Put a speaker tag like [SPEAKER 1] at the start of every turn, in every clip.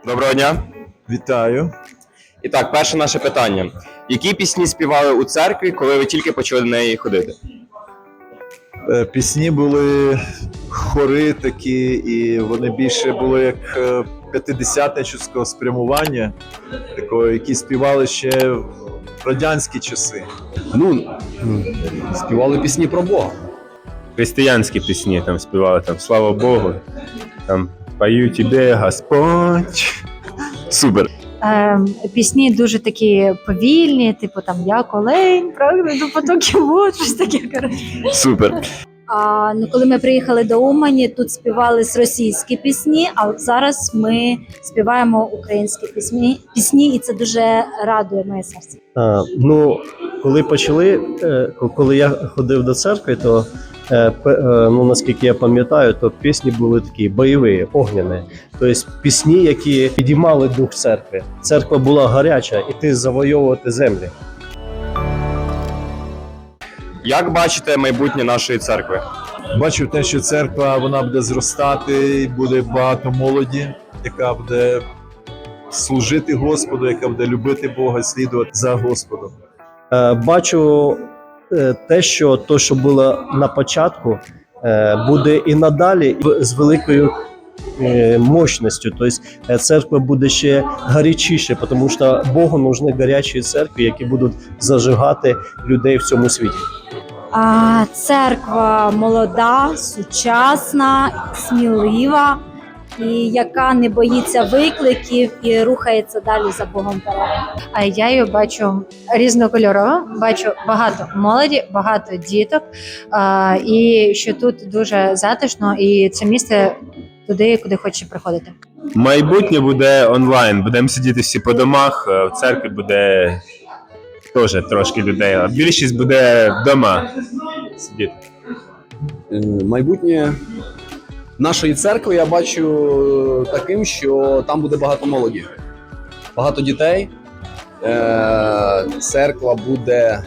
[SPEAKER 1] Доброго дня.
[SPEAKER 2] Вітаю.
[SPEAKER 1] І так, перше наше питання. Які пісні співали у церкві, коли ви тільки почали до неї ходити?
[SPEAKER 2] Пісні були хори такі, і вони більше були як п'ятидесятничівського спрямування, такого, які співали ще в радянські часи.
[SPEAKER 3] Співали пісні про Бога.
[SPEAKER 4] Християнські пісні там співали, там «Слава Богу», там «Пою тебе, Господь».
[SPEAKER 1] Супер.
[SPEAKER 5] Пісні дуже такі повільні, типу там «Я олень, прагну до потоків вод», щось таке, коротше.
[SPEAKER 1] Супер.
[SPEAKER 5] Коли ми приїхали до Умані, тут співались російські пісні, а от зараз ми співаємо українські пісні, і це дуже радує моє серце.
[SPEAKER 6] Коли я ходив до церкви, то наскільки я пам'ятаю, то пісні були такі бойові, огняні. Тобто пісні, які підіймали дух церкви. Церква була гаряча, іти завойовувати землі.
[SPEAKER 1] Як бачите майбутнє нашої церкви?
[SPEAKER 2] Бачив те, що церква вона буде зростати, і буде багато молоді, яка буде служити Господу, яка буде любити Бога, слідувати за Господом.
[SPEAKER 6] Бачу те, що було на початку, буде і надалі з великою мощністю. Тобто церква буде ще гарячіше, тому що Богу нужні гарячі церкви, які будуть зажигати людей в цьому світі.
[SPEAKER 5] Церква молода, сучасна, смілива, і яка не боїться викликів і рухається далі за Богом вперед.
[SPEAKER 7] А я її бачу різнокольорово, бачу багато молоді, багато діток, і що тут дуже затишно, і це місце туди, куди хочеш приходити.
[SPEAKER 4] Майбутнє буде онлайн, будемо сидіти всі по домах, в церкві буде теж трошки людей, а більшість буде вдома сидіти.
[SPEAKER 3] Майбутнє нашої церкви я бачу таким, що там буде багато молоді, багато дітей. Церква буде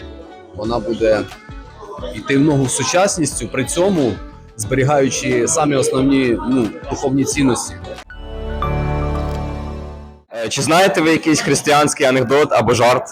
[SPEAKER 3] йти в ногу з сучасністю, при цьому зберігаючи самі основні духовні цінності.
[SPEAKER 1] Чи знаєте ви якийсь християнський анекдот або жарт?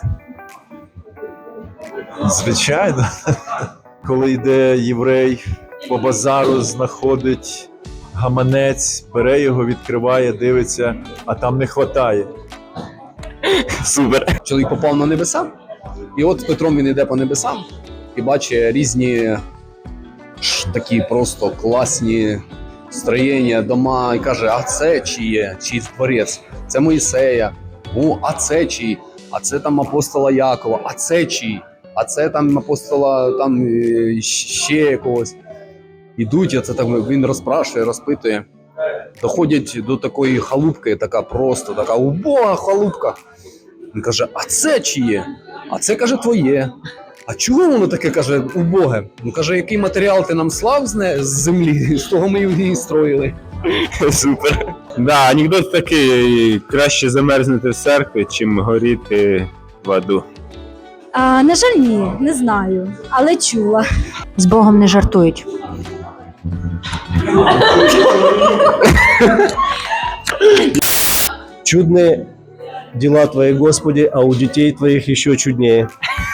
[SPEAKER 2] Звичайно, коли йде єврей по базару, знаходить гаманець, бере його, відкриває, дивиться, а там не вистачає.
[SPEAKER 1] Супер.
[SPEAKER 3] Чоловік попав на небеса, і от з Петром він йде по небесам і бачить різні такі просто класні строєння, дома, і каже, а це чиє? Чий творець? Це Моїсея. О, а це чий? А це там апостола Якова. А це чий? А це там апостола там ще якогось. Ідуть, а це так він розпрашує, розпитує. Доходять до такої халупки, така убога халупка. Він каже, а це чиє? А це, каже, твоє. А чого воно таке, каже, убоге? Ну, каже, який матеріал ти нам слав з землі, з того ми її строїли.
[SPEAKER 1] Супер.
[SPEAKER 4] Да, анекдот такий, краще замерзнути в церкві, чим горіти в аду.
[SPEAKER 5] На жаль, ні, не знаю, але чула.
[SPEAKER 7] З Богом не жартують.
[SPEAKER 6] Чудні діла Твої, Господи, а у дітей Твоїх ще чудніше.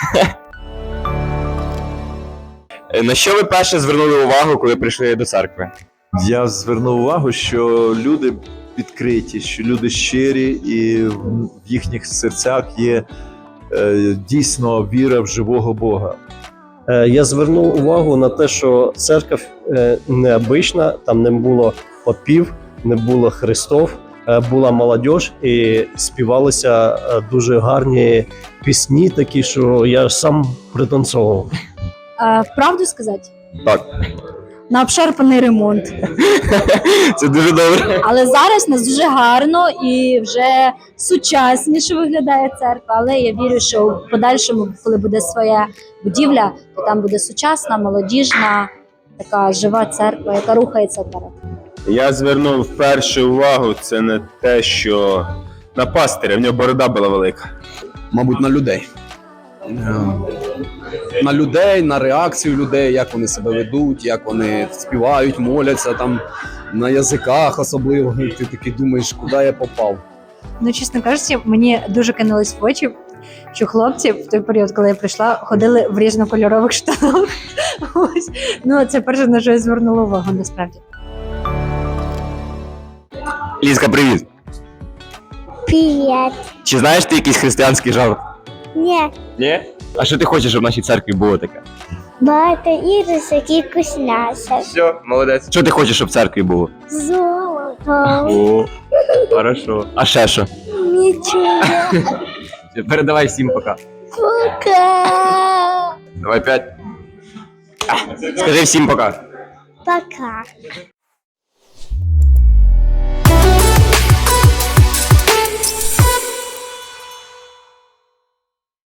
[SPEAKER 1] На що ви перше звернули увагу, коли прийшли до церкви?
[SPEAKER 2] Я звернув увагу, що люди відкриті, що люди щирі, і в їхніх серцях є дійсно віра в живого Бога.
[SPEAKER 6] Я звернув увагу на те, що церква необична, там не було попів, не було хрестов, була молодь і співалися дуже гарні пісні, такі, що я сам пританцовував.
[SPEAKER 5] Правду сказати?
[SPEAKER 1] Так.
[SPEAKER 5] На обшарпаний ремонт.
[SPEAKER 1] Це дуже добре.
[SPEAKER 5] Але зараз у нас дуже гарно і вже сучасніше виглядає церква. Але я вірю, що в подальшому, коли буде своя будівля, то там буде сучасна, молодіжна, така жива церква, яка рухається вперед.
[SPEAKER 4] Я звернув першу увагу, це не те, що на пастиря, в нього борода була велика.
[SPEAKER 3] Мабуть, на людей. На людей, на реакцію людей, як вони себе ведуть, як вони співають, моляться там на язиках особливо. Ти такий думаєш, куди я попав.
[SPEAKER 7] Ну, чесно кажучи, мені дуже кинулось в очі, що хлопці в той період, коли я прийшла, ходили в різнокольорових штанах. Ось. Ну, це перше, на що я звернула увагу, насправді.
[SPEAKER 1] Лізка, привіт.
[SPEAKER 8] Привет.
[SPEAKER 1] Чи знаєш ти якийсь християнський жарт?
[SPEAKER 8] Нет,
[SPEAKER 1] Ні? А що ти хочеш, щоб в нашій церкві було таке?
[SPEAKER 8] багато іграшок і вкусняшок.
[SPEAKER 1] Все, молодець. Що ти хочеш, щоб в церкві було?
[SPEAKER 8] Золото.
[SPEAKER 1] О, хорошо. А ще що?
[SPEAKER 8] Нічого.
[SPEAKER 1] Передавай всім пока.
[SPEAKER 8] Пока.
[SPEAKER 1] Давай 5. Скажи всім пока.
[SPEAKER 8] Пока.